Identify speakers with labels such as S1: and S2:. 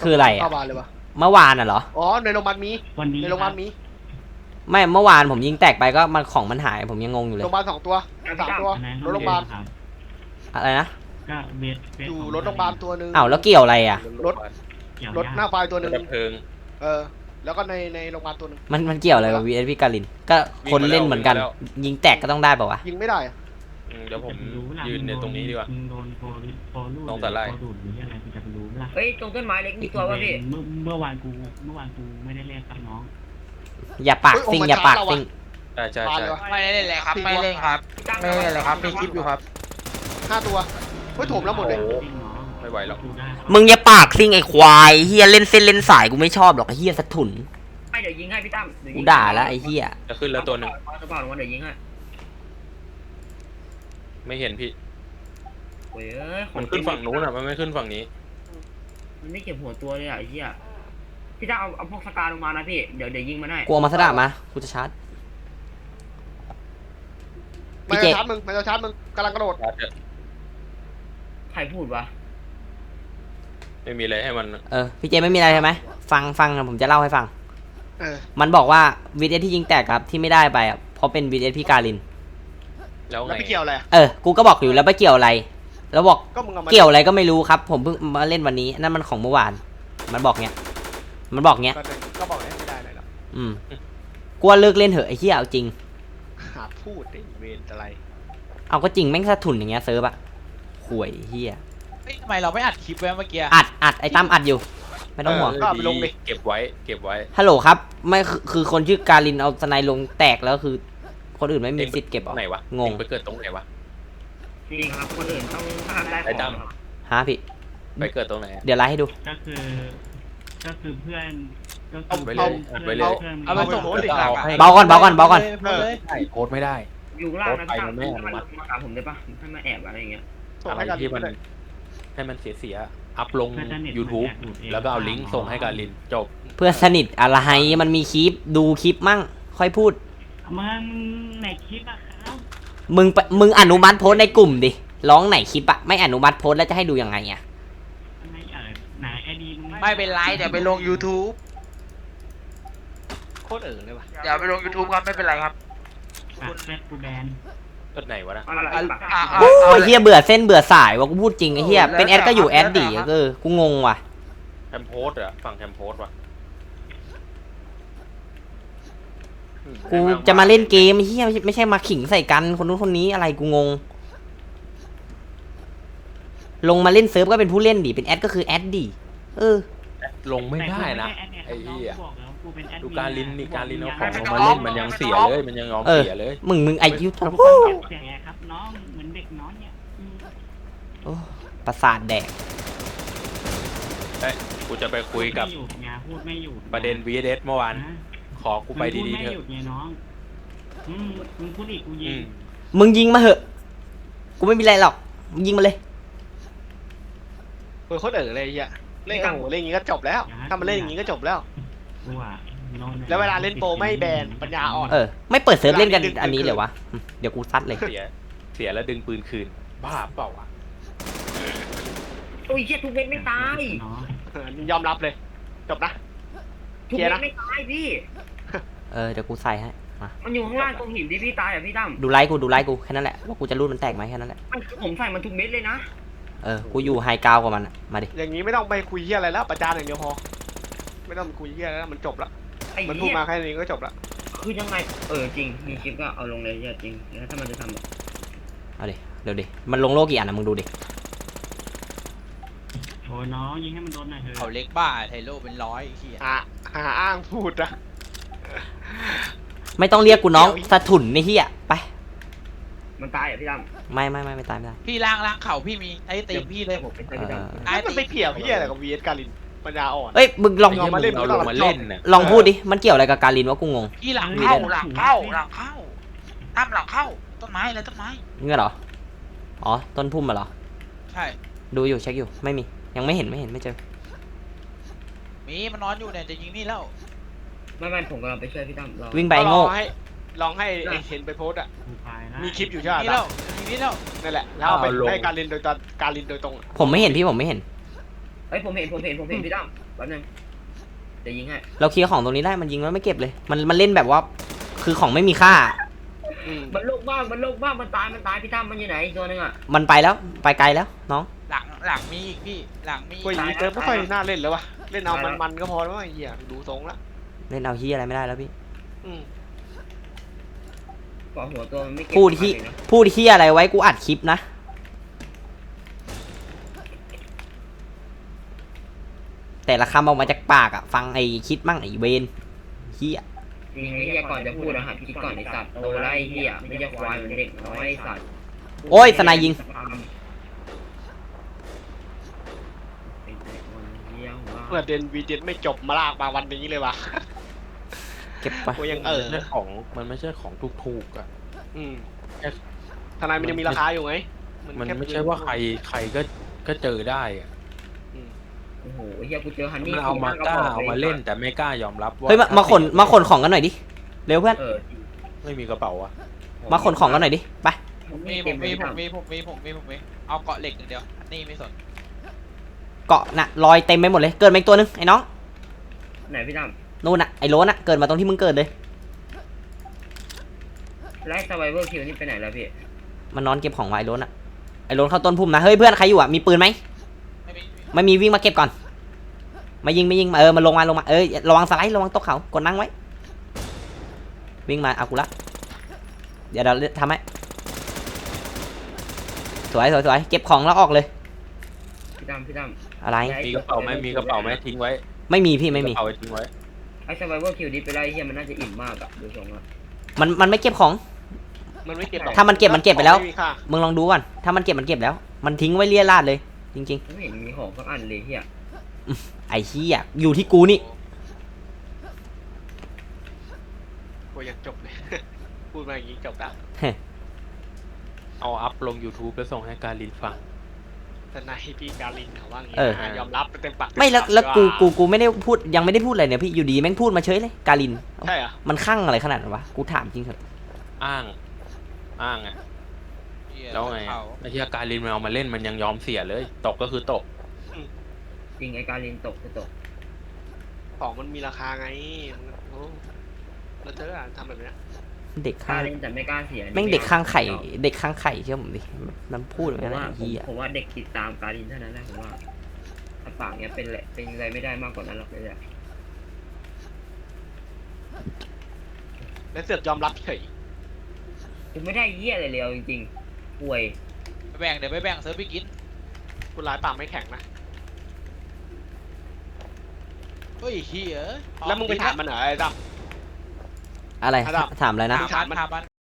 S1: คืออะไรอ่ะ
S2: เข้าบ้านเลยวะ
S1: เมื่อวานอ่ะเหรอ
S2: อ๋อในโรงพยาบาลมี
S3: วันนี้
S2: ในโรงพยาบาลมี
S1: ไม่เมื่อวานผมยิงแตกไปก็มันของมันหายผมยังงงอยู่เล
S2: โร
S1: ย
S2: งพยาบาล2 ตัว 3 ตัว
S3: อันนั้น
S2: รถโรงพยาบาล
S3: ครับ
S1: อะไรนะ
S3: ก็เวท
S2: อยู่รถโรงพยาบาลตัวหนึง
S1: อ้าวแล้วเกี่ยวอะไรอ่ะ
S2: รถ
S3: เกี่ยว
S2: รถหน้าไฟตัวหนึง
S4: ดับเพลิง
S2: แล้วก็ในโรงพยาบาลตัวหนึง
S1: มันเกี่ยวอะไรกับ VSP กาลินก็คนเล่นเหมือนกัน ยิงแตกก็ต้องได้ป่าวะ
S2: ยิงไม่ได้อะ
S4: เดี๋ยวผมยืนในตรงนี้ดีกว่า
S3: มึงโดนโฟลู
S4: ตรงแต่ไล่
S3: โฟดูดหรืออะไรกูจะไปรู้ไหมล่ะ
S5: เฮ้ยตรงต้นไม้เล็กมีตัวป่ะพี่
S3: เมื่อวานกูไม่ได้เล่นกับน้อง
S1: อย่าปากซิ่งอย่าปากซิ่ง
S4: ใช่ใช่
S2: บาน
S4: ใช่
S2: เลยวะ
S6: ไม่ได้เล่นเลยครับ ไม่เล่นครับ ไม่เล่นเลยครับมีคลิปอยู่ครับ
S2: 5 ตัวเฮ้ยโถมแล้วหมดเลย
S4: ไม่ไหวหรอก
S1: มึงอย่าปากซิ่งไอ้ควายเฮียเล่นเส้นเล่นสายกูไม่ชอบหรอกไอ้เฮียสะถุน
S5: ไม่เดี๋ยวยิงให้พี่ตั้ม
S1: กูด่าแล้วไอ้เฮีย
S4: จะขึ้นแล้วตัวหนึ่ง
S5: กระเป๋าลงมาเดี๋ยวยิงให้
S4: ไม่เห็นพี่
S5: โอ้ยเอ้ย
S4: มันขึ้นฝั่งนู้นอ่ะมันไม่ขึ้นฝั่งนี้
S5: มันไม่เก็บหัวตัวเลยอ่ะไอ้เหี้ยพี่ตั้มเอาพวกสกาลงมานะพี่เดี๋ยวยิงมันให้
S1: กูเอามาสดามากูจะชาร์จ
S2: มัน
S1: พี่เจ
S2: จะชาร์จมึงมันจะชาร์จมึงกำลังกระโดด
S5: ใครพูดวะ
S4: ไม่มีอะไรให้มัน
S1: พี่เจไม่มีอะไรใช่ไหมฟังผมจะเล่าให้ฟัง
S2: เออ
S1: มันบอกว่า VS ที่ยิงแตกครับที่ไม่ได้ไปอ่ะเพราะเป็น VS พี่กาลิน
S4: แล้ว
S2: แล้ว
S4: ไง
S2: ไปเกี่ยวอะไรอะ
S1: กูก็บอกอยู่แล้วไปเกี่ยวอะไร แล้วบอก
S2: ก็มึงเอามา
S1: เกี่ยวอะไรก็ไม่รู้ครับ ผมเพิ่งมาเล่นวันนี้นั่นมันของเมื่อวาน มันบอกเงี้ย
S2: ก็บอกให้ไม่ได้เลยหรอก
S1: กูว่าเลิกเล่นเถอะไอ้เหี้ยเอาจริง
S2: หาพูดดิเวรอะไร
S1: เอาก็จริงแม่งสะทุนอย่างเงี้ยเซิร์ฟอะห่วยเหี้ย
S6: เฮ้ยทำไมเราไม่อัดคลิปไว้เมื่อกี้
S1: อัดไอ้ตั้มอัดอยู่ ไม่ต้องห่วง
S2: ก็เอาไปลงดิ
S4: เก็บไว้เก็บไว้
S1: ฮัลโหลครับไม่คือคนชื่อการินเอาสไนลงแตกแล้วคือ คนอื่นไม่มีสิทธิ์เก็บ
S4: ต
S1: เห
S4: ร
S1: รง
S4: ไหน
S1: อ
S4: วะ
S1: งง
S4: ไปเกิดตรงไหนวะ
S5: จริงครับคนอื่นต้องห้ามได้
S4: ไอ้
S5: ข
S4: ตั้
S5: อง
S4: ม
S5: ครับ
S1: ฮะพี่
S4: ไปเกิดตรงไหน
S1: เดี๋ยวไลฟ์ให้ดู
S3: ก็คือเพื่อนก็
S4: เอา
S3: คือ
S4: ไปเลยเอาไปเลย
S6: เอาไปส่งโพสต์ดิหลักอะ
S1: เบาก่อน
S4: ใช่โพสต์ไม่ได้
S5: อยู่ข้างล่างนะพี่ตั้ม
S4: โพสต์ไปมันไม่อนุมัติ
S5: มาหาผมได้ปะให้มาแอบอะไรอย่างเงี้ย
S2: ส่ง
S4: อะไร
S2: ให้กัน
S4: ที่มัน
S2: เลย
S4: ให้มันเสียอัพลง YouTube แล้วก็เอาลิงก์ส่งให้การลินจบ
S1: เพื่อนสนิทอะไรมันมีคลิปดูคลิปมั่ง ค่อยพูด
S3: มันในคลิปอะครับ
S1: มึงอนุมัติโพสต์ในกลุ่มดิร้องไหนคลิปอะไม่อนุมัติโพสต์แล้วจะให้ดูยังไงอะ
S3: ไหนไอดีมึง
S6: ไม่เป็นไรเดี๋ยวไปลง YouTube
S2: โคตรเลยว่ะ
S6: เดี๋ยวไปลง YouTube ครับไม่เป็นไรครับ
S3: คุณเฟซกูแบน
S4: ต้นไหนวะนะ
S1: โอ้ยเฮียเบื่อเส้นเบื่อสายว่ะกูพูดจริงไอ้เฮียเป็นแอดก็อยู่แอดดิกูงงว่ะ
S4: แคมโพสต์อะฝั่งแคมโพสต์วะ
S1: กูจะมาเล่นเกมเฮียไม่ใช่มาขิงใส่กันคนนู้นคนนี้อะไรกูงง ลงมาเล่นเซิร์ฟก็เป็นผู้เล่นดิเป็นแอดก็คือแอดดิ
S4: ลงไม่ได้นะ ไอ้เหี้ยดูการลินนี่การลินเอาของลง
S6: ไ
S4: มาเล่นมันยังเสียเลยมันยังยอมเสียเลย
S1: มึงไอคิว
S3: เสียงไงครับน้องเหมือนเด็กน้อยเนี่ย
S1: ประสาทแดก
S4: เอ้ยกูจะไปคุยกับ
S3: พูดไม่หยุด
S4: ประเด็น VS เมื่อวานขอกูไปดีๆเถ
S3: ไม่
S4: อะ
S3: หยุดไงน้องมึงพูดอีกกูยิง
S1: มึงยิงมาเหอะกูไม่มีอะไรหรอกมึงยิงมาเลย
S2: โคตรเลยไอ้เหี้ยเล่นโอ้โหเล่นอย่างงี้ก็จบแล้วถ้ามันเล่นอย่างงี้ก็จบแล้ว
S3: กูอ่ะ
S2: แล้วเวลาเล่นโปรไม่แบนปัญญาอ่อน
S1: ไม่เปิดเซิร์ฟเล่นกันอันนี้เลยวะเดี๋ยวกูซัดเลย
S4: เสียแล้วดึงปืนคืนบ้าเปล่าวะ
S5: โอ้ยเชี่ยทุกเม็ดไม่ตาย
S2: ยอมรับเลย จบนะ
S5: ทุกเม็ดไม่ตายพี่
S1: เดี๋ยวกูใส่ให้มา
S5: มันอยู่ข้างล่างตรงหินที่พี่ตายอ่ะพี่ตั้ม
S1: ดูไลค์กูแค่นั้นแหละว่ากูจะรูดมันแตกไหมแค่นั้นแหละ
S5: ผมใส่มันทุกเม็ดเลยนะ
S1: กูอยู่ไฮกราวกว่ามันอะมาดิ
S2: อย่างนี้ไม่ต้องไปคุยเหี้ยอะไรแล้วประจานอย่างเดียวพอไม่ต้องไปคุยเหี้ยแล้วมันจบละ
S5: ไอ้
S2: มันพูด
S5: เหี้ย
S2: มาแค่นี้ก็จบละ
S5: คือยังไงจริงมีคลิปก็เอาลงเลยจริงแล้วถ้ามันจะทำ
S1: เอาดิเดี๋ยวดิมันลงโลกกี่อันนะมึงดูดิ
S3: โอ้ยน้องยิงให้มันโดนหน่อยเถ
S6: เขา
S3: อะ
S6: เล็กบ้าไทโร่เป็นร้อยไอ้เหี้ย
S2: หาอ้างพูดนะ
S1: ไม่ต้องเรียกกูน้องสะถุนในเฮียไป
S5: มันตายอ่ะพี่ตั้ม
S1: ไม่ตายไม่ได้
S6: พี่ล้างเข่าพี่มีไอ้ตีพี่เลย
S5: ผมเป็นพี่ตั้ม
S6: ไอ้
S2: มัน
S6: ตี
S2: ไปเผี่ยวเหี้ยอะไรกับวีเอสการินปัญญาอ่อน
S1: มึงลอง
S2: เอามาเล่น
S4: เอาลงมาเล่นน่ะ
S1: ลองพูดดิมันเกี่ยวอะไรกับการินวะกูงง
S6: พี่หลังเข้าตั้มหลังเข้าต้นไม้อะไรต้นไม้
S1: เงี้ยเหรออ๋อต้นพุ่มมาเหรอ
S6: ใช่
S1: ดูอยู่เช็คอยู่ไม่มียังไม่เห็นไม่เจอ
S6: มีมันนอนอยู่เนี่ยจะยิงนี่แล้ว
S5: ไม่ผมกำลังไปช่วยพี่ตั้ม
S1: วิ่งไปโง่
S2: ลองให้ไอ้เห็นไปโพสต์อะ
S3: กูพายนะ
S2: มีคลิปอยู่ใช่ไหม
S6: นี่แล้วยิงนี่แล้ว
S2: นั่นแหละแล้วเอาไปให้การินโดยตรง
S1: ผมไม่เห็นพี่ผมไม่เห็น
S5: เฮ้ยผมเห็นพี่ตั้มแป๊บนึงจะยิงให้
S1: เราเคลียร์ของตรงนี้ได้มันยิงแล้วไม่เก็บเลย มันเล่นแบบว่า คือของไม่มีค่า
S5: มันโลกบ้างมันตายพี่ตั้มมันอยู่ไหนอีกตัวนึงอ่ะ
S1: มันไปแล้วไปไกลแล้วน้อง
S6: หลังมีอีกพี่หลังมี
S2: กูอย่างนี้เติมไม่ค่อยน่าเล่นแล้ววะเล่นเอามันก็พอแล้วไอ้เหี้ยดูทรงละ
S1: เล่นเอาเฮียอะไรไม่ได้แล้วพี่
S2: อืม
S5: ก่อหัวตัวมันไม่เก็บ
S1: พูดที่
S5: เลยนะ
S1: พูดเฮียอะไรไว้กูอัดคลิปนะ แต่ละคำออกมาจากปากอะฟังไอ้คิดมั่งไอ้เวนเฮีย
S5: จริงไอ้เหี้ยก่อนจะพูดอะหัดคิดก่อนไอ้สัตว์โตแล้วไอ้เหี้ยไม่ใช่ควายเหมือนเด็กน้อยไอ้สัตว์
S1: โอ้ยสนายยิง
S2: เมื่อเดนวีเดนไม่จบมาลากมาวันนี้เลยวะ
S1: เก็บไป
S2: กูยัง
S4: มันไม่ใช่ของถูกๆอ่ะ
S2: อืมทนายมันยังมีราคาอยู่ไง
S4: มัน
S2: แค่
S4: ไม่ใช่ว่าใครก็เจอได้อ่ะ
S5: โอ้โหไอ้เหี้ยกูเจอฮันนี่
S4: มันเอามาเล่นแต่ไม่กล้ายอมรับว่า
S1: เฮ้ยมาขนของกันหน่อยดิเร็วเพื่อน
S4: ไม่มีกระเป๋าอ่ะ
S1: มาขนของกันหน่อยดิไป
S6: ผมมีเอาเกาะเหล็กอย่างเดียวอันนี้ไม่สน
S1: เกาะน่ะลอยเต็มไปหมดเลยเกิดมาอีกตัวนึงไอ้น้อง
S5: ไหนพี่ตั้ม
S1: นู่นน่ะไอ้โลนน่ะเกิดมาตรงที่มึงเกิดเลย
S5: ไล่สไวเวอร์คิวนี่ไปไหนแล้วพี่
S1: มันนอนเก็บของไว้ไอ้โลนน่ะไอ้โลนเข้าต้นพุ่มนะเฮ้ยเพื่อนใครอยู่อ่ะมีปืนไหม
S6: ไม่มี
S1: ไม่มีวิ่งมาเก็บก่อนมายิงมาลงมาระวังสไลด์ระวังตกเขากดนั่งไว้วิ่งมาเอากูละเดี๋ยวเราทำให้สวยเก็บของแล้วออกเลย
S5: พี่ตั้ม
S1: อะไร
S4: มีกระเป๋าไหมทิ้งไว้
S1: ไม่มีพี่ไม่มี
S4: กระเป๋าทิ้งไว้
S5: ไอ้สไวเวอร์คิวนี่ไปไล่เหี้ยมันน่าจะอิ่มมากอะดูทรงอะ
S1: มันไม่เก็บของ
S2: มันไม่เก็บหรอก
S1: ถ้ามันเก็บไปแล้ว
S2: ไม่มีค่า
S1: มึงลองดูก่อนถ้ามันเก็บแล้ว มันทิ้งไว้เลี่ยราดเลยจริง
S5: ไม่เห็นมีของสักอันเลยเหี้ย
S1: ๆไอ้เหี้ยอยู่ที่กูนี่
S2: กูยังจบเลย พูดมาอย่างนี้จบแล้ว
S4: เอาอัพลง YouTube แล้วส่งให้การลินฟัง
S2: ทนายพี่การินเขาว่างี้
S1: เออ
S2: นะยอมรับเต็มปาก
S1: ไม่แล้ว
S2: เต็มปา
S1: กูไม่ได้พูดยังไม่ได้พูดอะไรเนี่ยพี่อยู่ดีแม่งพูดมาเฉยเลยกาลิน
S2: ใช่เหรอ
S1: มันข้างอะไรขนาดนั้นวะกูถามจริงเถอะ
S4: อ้างอ่ะแล้วไงอะไอ้ที่การลินมันเอามาเล่นมันยังยอมเสียเลย ตกก็คือตก
S5: จริงไอ้การลินตกคือตก
S2: ของมันมีราคาไงโอ้แล้วเธออะทำแบบเนี้ย
S1: เด็ก
S5: ก
S1: ข้า
S5: ล้าง เล่นแต่ไม่กล้าเสีย
S1: แม่งเด็กข้างไข่เชื่อผมดิมันพูดแบบ
S5: ผม
S1: นั้น
S5: ว่า
S1: ไอ้เหี้ย
S5: ผมว่าเด็กติดตามการลินเท่านั้นแหละผมว่าถ้าปากเนี้ยเป็นอะไรไม่ได้มากกว่านั้นหรอกเลยอะ
S2: แล้วเสือกยอมรับเฉย
S5: กูไม่ได้เหี้ยอะไรเลยเอาจริงๆป่วย
S6: เดี๋ยวไปแบ่งเซิร์ฟพี่กิน
S2: กูร้ายปากไม่แข็งนะ
S6: เฮ้ยเฮีย
S2: แล้วมึงไปถามมันเหรอไอ้ด
S1: อะไร
S2: ครับ
S1: ถามอะไรนะ
S6: ถามมัน